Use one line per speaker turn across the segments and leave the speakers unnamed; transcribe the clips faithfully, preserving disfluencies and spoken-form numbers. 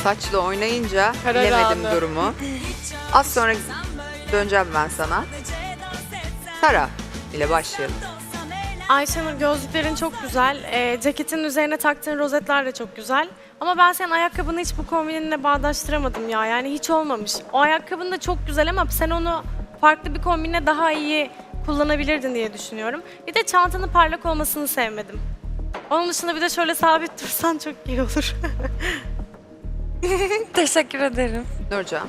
saçla oynayınca
Karar
bilemedim
anı.
durumu. Az sonra döneceğim ben sana. Sara ile başlayalım.
Ayşenur, gözlüklerin çok güzel. Ee, ceketin üzerine taktığın rozetler de çok güzel. Ama ben senin ayakkabını hiç bu kombininle bağdaştıramadım ya. Yani hiç olmamış. O ayakkabın da çok güzel ama sen onu farklı bir kombinle daha iyi kullanabilirdin diye düşünüyorum. Bir de çantanın parlak olmasını sevmedim. Onun dışında bir de şöyle sabit dursan çok iyi olur.
Teşekkür ederim.
Nurcan.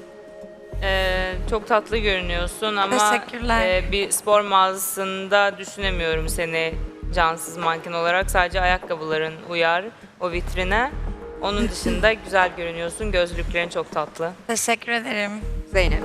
Ee, çok tatlı görünüyorsun ama
Teşekkürler.
e, bir spor mağazasında düşünemiyorum seni cansız manken olarak. Sadece ayakkabıların uyar o vitrine. Onun dışında güzel görünüyorsun. Gözlüklerin çok tatlı.
Teşekkür ederim.
Zeynep.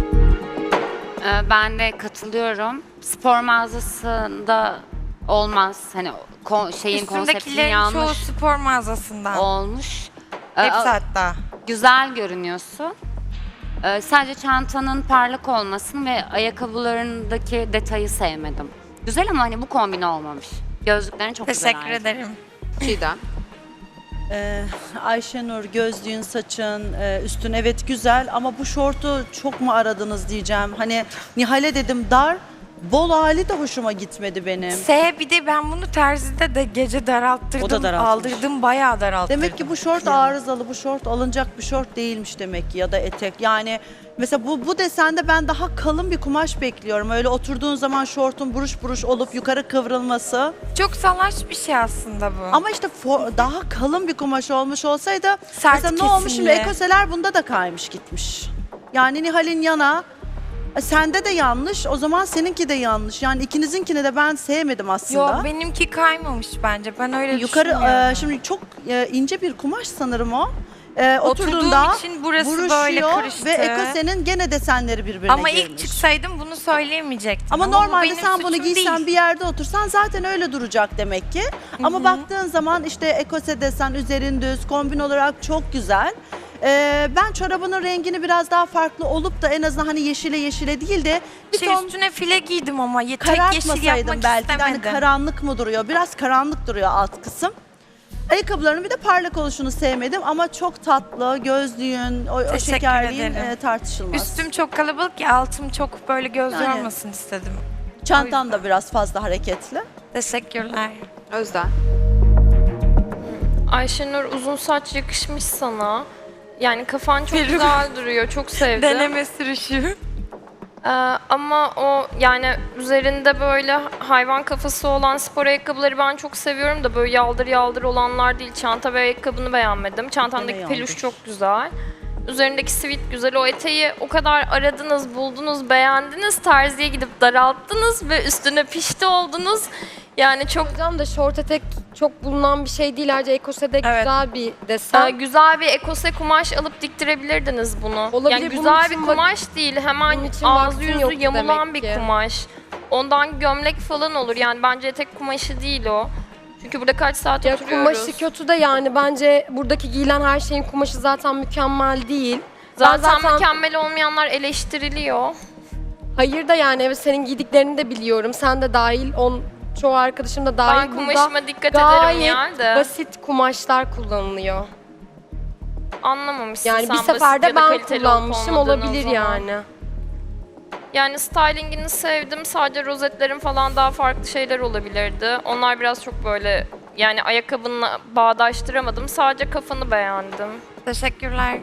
Ee, Ben de katılıyorum. Spor mağazasında olmaz. Hani ko- şeyin konseptinin
Üstündekilerin çoğu
yanlış
spor mağazasından.
olmuş. Ee,
Hepsi
a-
hatta.
Güzel görünüyorsun. Ee, sadece çantanın parlak olmasını ve ayakkabılarındaki detayı sevmedim. Güzel ama hani bu kombin olmamış. Gözlüklerin çok güzel.
Teşekkür
ayrıca.
ederim.
Çiğdem.
Ee, Ayşenur, gözlüğün, saçın, e, üstün evet güzel ama bu şortu çok mu aradınız diyeceğim. Hani Nihal'e dedim dar, bol hali de hoşuma gitmedi benim.
S bir de ben bunu terzide de gece daralttırdım.
O da daraltmış.
Aldırdım, bayağı daralttırdım.
Demek ki bu şort arızalı, bu şort alınacak bir şort değilmiş demek ki ya da etek. Yani mesela bu, bu desende ben daha kalın bir kumaş bekliyorum. Öyle oturduğun zaman şortun buruş buruş olup yukarı kıvrılması.
Çok salaş bir şey aslında bu.
Ama işte fo- daha kalın bir kumaş olmuş olsaydı
Sert
mesela ne olmuş şimdi
kesimli.
ekoseler bunda da kaymış gitmiş. Yani Nihal'in yana e, sende de yanlış, o zaman seninki de yanlış. Yani ikinizinkini de ben sevmedim aslında.
Yok, benimki kaymamış bence. Ben öyle
Yukarı
düşünmüyorum.
e, şimdi çok e, ince bir kumaş sanırım o. E,
Oturduğum
oturduğunda
için burası
buruşuyor
böyle karıştı.
ve ekosenin gene desenleri birbirine
Ama
girmiş.
ilk çıksaydım bunu söyleyemeyecektim.
Ama
bu
normalde
benim
sen bunu
suçum
giysen
değil.
bir yerde otursan zaten öyle duracak demek ki. Ama baktığın zaman işte ekose desen üzerin düz, kombin olarak çok güzel. Ee, ben çorabının rengini biraz daha farklı olup da en azından hani yeşile yeşile değil de bir
Şey,
ton
üstüne file giydim ama ye- tek yeşil
karartmasaydım
yapmak
belki de hani
istemedim.
karanlık mı duruyor? Biraz karanlık duruyor alt kısım. Ayakkabılarının bir de parlak oluşunu sevmedim ama çok tatlı, gözlüğün, o, o
Teşekkür
şekerliğin
ederim.
e, tartışılmaz.
Üstüm çok kalabalık ya, altım çok böyle göz
Yani.
yormasın istedim.
Çantan da biraz fazla hareketli.
Teşekkürler.
Özden.
Ayşenur, uzun saç yakışmış sana. Yani kafan çok güzel duruyor. Çok sevdim.
Deneme sürüşü.
Ee, ama o yani üzerinde böyle hayvan kafası olan spor ayakkabıları ben çok seviyorum da böyle yaldır yaldır olanlar değil. Çanta ve ayakkabını beğenmedim. Çantandaki
Gene
peluş
yaldır.
çok güzel. Üzerindeki sivit güzel. O eteği o kadar aradınız, buldunuz, beğendiniz. Terziye gidip daralttınız ve üstüne pişti oldunuz. Yani çok
Hocam da şort etek çok bulunan bir şey değil. Ayrıca ekosede
Evet.
güzel bir
Ee,
desen.
güzel bir ekose kumaş alıp diktirebilirdiniz bunu.
Olabilir,
Yani
bunun
güzel bir
için bak-
kumaş değil. Hemen
bunun için
ağzı
vaktim
yüzü
yoktu
yamulan
demek
bir
ki.
kumaş. Ondan gömlek falan olur. Yani bence etek kumaşı değil o. Çünkü burada kaç saat
Ya
oturuyoruz.
kumaşı kötü de yani bence buradaki giyilen her şeyin kumaşı zaten mükemmel değil.
Zaten,
Ben zaten
mükemmel olmayanlar eleştiriliyor.
hayır da yani evet senin giydiklerini de biliyorum. Sen de dahil, on çoğu arkadaşım da dahil.
Ben
Burada
kumaşıma dikkat ederim
gayet
yani de.
basit kumaşlar kullanılıyor.
Anlamamışsın
Yani
sen
bir
basit
seferde
ya da
ben
kaliteli olup
kullanmışım,
olmadığını o
olabilir
zaman.
yani.
Yani stylingini sevdim. Sadece rozetlerin falan daha farklı şeyler olabilirdi. Onlar biraz çok böyle yani ayakkabınla bağdaştıramadım. Sadece kafanı beğendim.
Teşekkürler.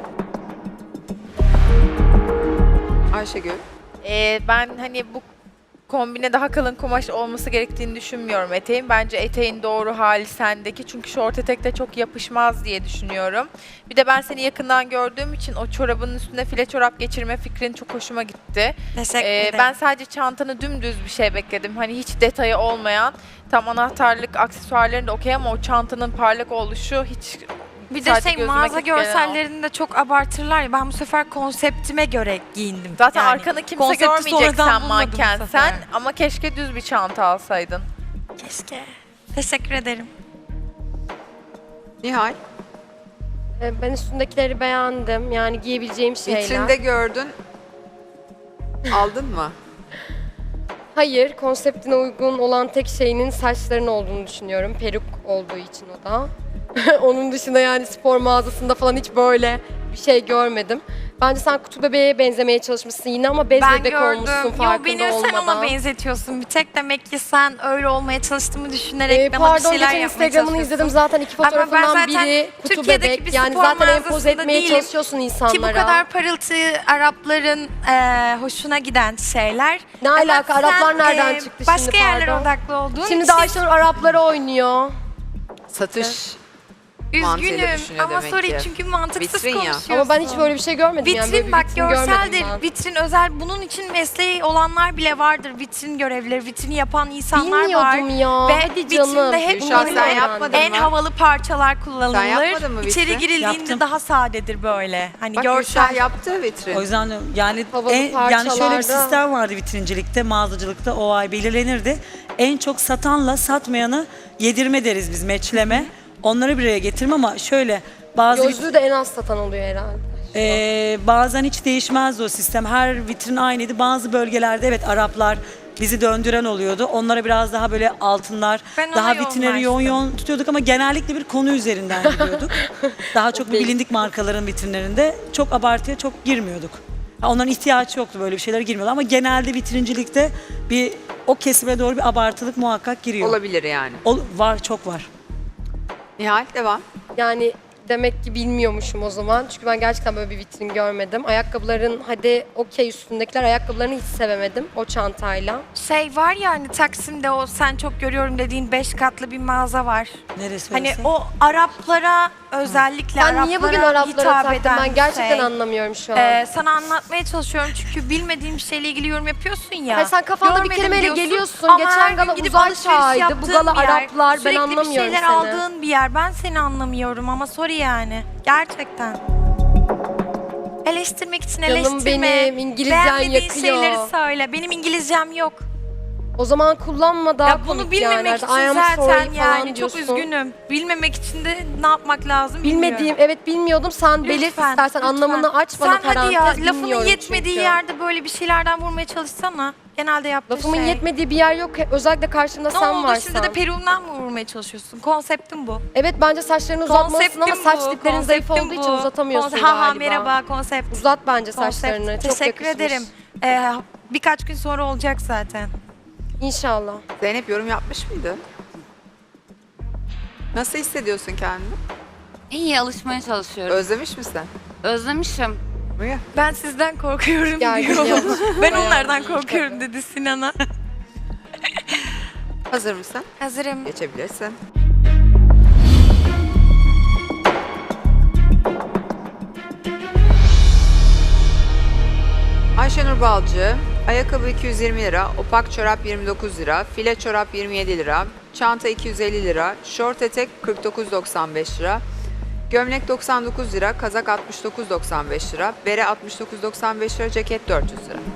Ayşegül.
Ee, ben hani bu kombine daha kalın kumaş olması gerektiğini düşünmüyorum eteğin. Bence eteğin doğru hali sendeki. Çünkü şort etekte çok yapışmaz diye düşünüyorum. Bir de ben seni yakından gördüğüm için o çorabının üstüne file çorap geçirme fikrin çok hoşuma gitti.
Teşekkür
Ee,
ederim.
ben sadece çantanı dümdüz bir şey bekledim. Hani hiç detayı olmayan, tam anahtarlık, aksesuarların da okey ama o çantanın parlak oluşu hiç
bir de
sadece
şey,
gözüme
mağaza
gidip gelen o.
görsellerini de çok abartırlar ya. Ben bu sefer konseptime göre giyindim.
Zaten
Yani
arkanı kimse
konsepti
görmeyecek
sonradan
sen
bulmadım bu
manken
sefer.
sen ama keşke düz bir çanta alsaydın.
Keşke. Teşekkür ederim.
Nihal.
Ee, Ben üstündekileri beğendim. Yani giyebileceğim şeyler.
Vitrinde gördün. Aldın mı?
Hayır, konseptine uygun olan tek şeyinin saçların olduğunu düşünüyorum. Peruk olduğu için o da. Onun dışında yani spor mağazasında falan hiç böyle bir şey görmedim. Bence sen kutu bebeğe benzemeye çalışmışsın yine ama bez
Ben
bebek
gördüm.
olmuşsun
Yo,
farkında
beni
olmadan.
sen ona benzetiyorsun. Bir tek demek ki sen öyle olmaya çalıştığımı düşünerek
Ee,
bana bir
pardon
şeyler
geçen
yapmaya
Instagram'ını
çalışıyorsun.
izledim zaten iki
Ama ben
fotoğrafından
zaten
biri kutu
Türkiye'deki
bebek.
bir
Yani
spor
zaten empoze
mağazasında
etmeye
değilim.
çalışıyorsun insanlara.
Ki bu kadar parıltı Arapların e, hoşuna giden şeyler.
Ne
Ama
alaka?
sen,
Araplar nereden
e,
çıktı
başka
şimdi
yerlere
pardon?
odaklı olduğun
Şimdi de
için
Ayşenur Araplara oynuyor.
Satış mantığıyla
üzgünüm
düşünüyor
ama
demek
sorry
ki.
çünkü mantıksız
Vitrin ya.
konuşuyorsun.
Ama ben hiç böyle bir şey görmedim yani. Böyle
Vitrin
bir
bak
vitrin görmedim
görseldir,
ben.
vitrin özel. Bunun için mesleği olanlar bile vardır. Vitrin görevlileri, vitrini yapan insanlar var.
Bilmiyordum ya.
Ve
Hadi canım.
vitrinde hep
Gülşah,
böyle
sen yapmadın
en
mı?
havalı parçalar kullanılır.
Sen yapmadın mı vitrin?
İçeri girildiğinde
Yaptım.
daha sadedir böyle. Hani
Bak
görsel.
Gülşah yaptı vitrin.
O yüzden yani
Havalı
en, yani şöyle bir
parçalarda.
sistem vardı vitrincilikte, mağazacılıkta o ay belirlenirdi. En çok satanla satmayanı yedirme deriz biz, meçleme. Onları bir araya getirme ama şöyle bazı
Gözlüğü de en az satan oluyor herhalde.
Ee, bazen hiç değişmezdi o sistem. Her vitrin aynıydı. Bazı bölgelerde evet Araplar bizi döndüren oluyordu. Onlara biraz daha böyle altınlar,
Ben ona
daha vitrinleri yoğun
yoğunlaştım.
yoğun tutuyorduk ama genellikle bir konu üzerinden gidiyorduk. Daha çok bu bilindik markaların vitrinlerinde çok abartıya çok girmiyorduk. Ha, onların ihtiyacı yoktu, böyle bir şeylere girmiyordu ama genelde vitrincilikte bir o kesime doğru bir abartılık muhakkak giriyor.
Olabilir yani.
Ol- var, çok var.
Nihal devam.
Yani demek ki bilmiyormuşum o zaman. Çünkü ben gerçekten böyle bir vitrin görmedim. Ayakkabıların hadi okey üstündekiler ayakkabılarını hiç sevemedim o çantayla.
Şey var ya hani Taksim'de o sen çok görüyorum dediğin beş katlı bir mağaza var.
Neresi
Hani
orası?
o Araplara özellikle
Sen niye bugün Araplara
hitap
taktın?
eden
Ben gerçekten
şey.
anlamıyorum şu an.
Ee, sana anlatmaya çalışıyorum çünkü bilmediğim bir şeyle ilgili yorum yapıyorsun ya.
Hayır, sen kafanda bir
Görmedim
kelimeyle
diyorsun
geliyorsun.
ama
Geçen
her gün
gala
gidip
uzay
alışveriş
çağıydı, bu
yaptığın
gala
bir yer,
Araplar, ben
sürekli
anlamıyorum
bir şeyler
seni.
aldığın bir yer. Ben seni anlamıyorum ama sorry yani. Gerçekten. Eleştirmek için
Canım
eleştirme.
benim, İngilizcen
Beğenmediğin
yakıyor.
şeyleri söyle. Benim İngilizcem yok.
O zaman kullanma daha
Ya bunu
komik
bilmemek
yani.
için
I am
zaten
sorry falan
yani çok
diyorsun.
üzgünüm. Bilmemek için de ne yapmak lazım
Bilmediğim,
bilmiyorum.
evet bilmiyordum. Sen belit
Lütfen,
istersen
lütfen.
anlamını aç bana
Sen hadi
parantez
ya lafının
bilmiyorum
yetmediği
çünkü.
yerde böyle bir şeylerden vurmaya çalışsana. Genelde yaptığın
Lafımın
şey.
yetmediği bir yer yok. Özellikle karşımda
Ne
sen
oldu
varsan.
şimdi de peruğundan mı vurmaya çalışıyorsun? Konseptim bu.
Evet bence saçlarını uzatmalısın ama
bu,
saç diplerin zayıf
konseptim
olduğu için
bu.
uzatamıyorsun
Konse- Ha ha
galiba.
merhaba konsept.
Uzat bence
Konsept.
saçlarını. Çok
Teşekkür
yakışmış.
ederim. Ee, birkaç gün sonra olacak zaten.
İnşallah.
Zeynep yorum yapmış mıydı? Nasıl hissediyorsun kendini?
İyi alışmaya çalışıyorum.
Özlemiş misin?
Özlemişim.
Buyur.
Ben sizden korkuyorum
Gergin
diyor.
yapmış.
Ben
Bayağı
onlardan
iyi
korkuyorum
tabii.
dedi Sinan'a.
Hazır mısın?
Hazırım.
Geçebilirsin. Ayşenur Balcı, ayakkabı iki yüz yirmi lira, opak çorap yirmi dokuz lira, file çorap yirmi yedi lira, çanta iki yüz elli lira, şort etek kırk dokuz doksan beş lira, gömlek doksan dokuz lira, kazak altmış dokuz doksan beş lira, bere altmış dokuz doksan beş lira, ceket dört yüz lira.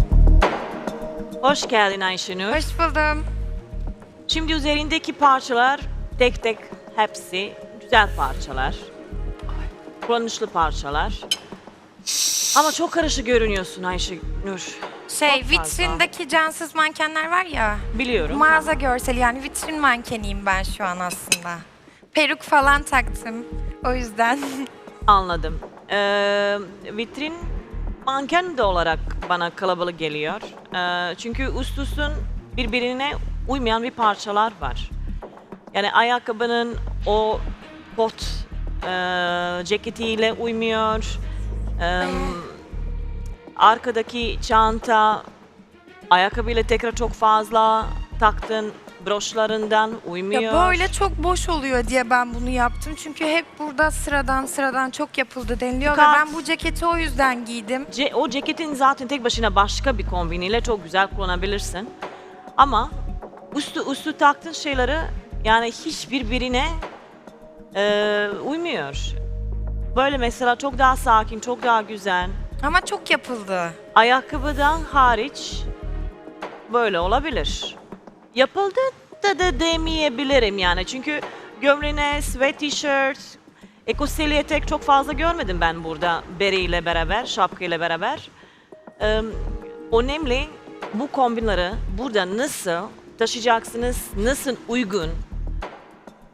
Hoş geldin Ayşenur.
Hoş buldum.
Şimdi üzerindeki parçalar tek tek hepsi güzel parçalar. Kullanışlı parçalar. Ama çok karışık görünüyorsun Ayşenur.
Şey
Çok fazla.
vitrindeki cansız mankenler var ya.
Biliyorum.
Mağaza görseli yani vitrin mankeniyim ben şu an aslında. Peruk falan taktım. O yüzden.
Anladım. Ee, vitrin manken de olarak bana kalabalık geliyor. Ee, çünkü üst üstün birbirine uymayan bir parçalar var. Yani ayakkabının o kot e, ceketiyle uymuyor. Ee, arkadaki çanta ayakkabıyla tekrar çok fazla taktın broşlarından uymuyor.
Ya böyle çok boş oluyor diye ben bunu yaptım. Çünkü hep burada sıradan sıradan çok yapıldı deniliyor ve
Çıkart.
ben bu ceketi o yüzden giydim.
Ce- o ceketin zaten tek başına başka bir kombiniyle çok güzel kullanabilirsin. Ama üstü üstü taktığın şeyleri yani hiçbirbirine e, uymuyor. Böyle mesela çok daha sakin, çok daha güzel.
Ama çok yapıldı.
Ayakkabıdan hariç böyle olabilir. Yapıldı da da demeyebilirim yani. Çünkü gömleğine, sweat t-shirt, ekoseli etek çok fazla görmedim ben burada beriyle beraber, şapkayla beraber. Ee, önemli bu kombinleri burada nasıl taşıyacaksınız, nasıl uygun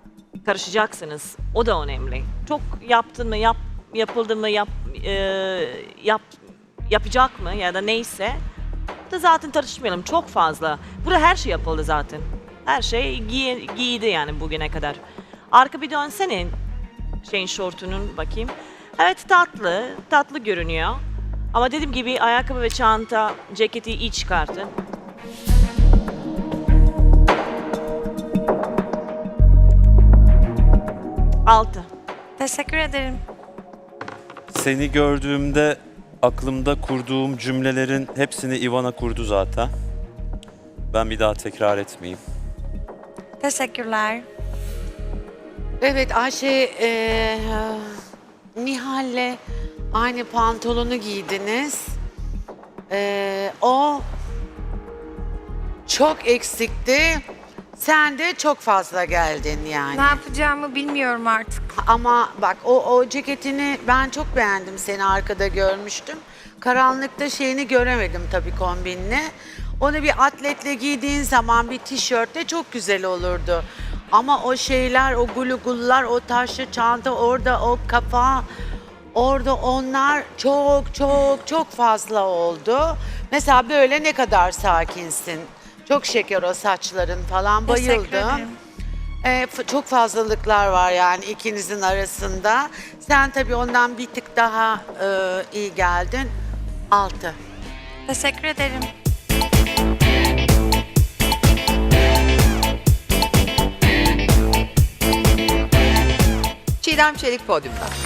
karışacaksınız. O da önemli. Çok yaptın mı, yap, yapıldı mı, yap, e, yap, yapacak mı ya da neyse da zaten tartışmayalım. Çok fazla. Burada her şey yapıldı zaten. Her şey giy, giydi yani bugüne kadar. Arka bir dönsene şeyin şortunun bakayım. Evet tatlı, tatlı görünüyor. Ama dediğim gibi ayakkabı ve çanta, ceketi iyi çıkartın. Altı.
Teşekkür ederim.
Seni gördüğümde aklımda kurduğum cümlelerin hepsini Ivana kurdu zaten. Ben bir daha tekrar etmeyeyim.
Teşekkürler.
Evet Ayşe, eee Nihal'le aynı pantolonu giydiniz. Eee, o çok eksikti. Sen de çok fazla geldin yani.
Ne yapacağımı bilmiyorum artık.
Ama bak o, o ceketini ben çok beğendim, seni arkada görmüştüm. Karanlıkta şeyini göremedim tabii kombinini. Onu bir atletle giydiğin zaman bir tişörtle çok güzel olurdu. Ama o şeyler, o gulugullar, o taşlı çanta orada, o kafa, orada onlar çok çok çok fazla oldu. Mesela böyle ne kadar sakinsin. Çok şeker o saçların falan,
Teşekkür
bayıldım.
ederim.
Ee, f- çok fazlalıklar var yani ikinizin arasında. Sen tabii ondan bir tık daha e, iyi geldin. Altı.
Teşekkür ederim.
Çiğdem Çelik podyumda.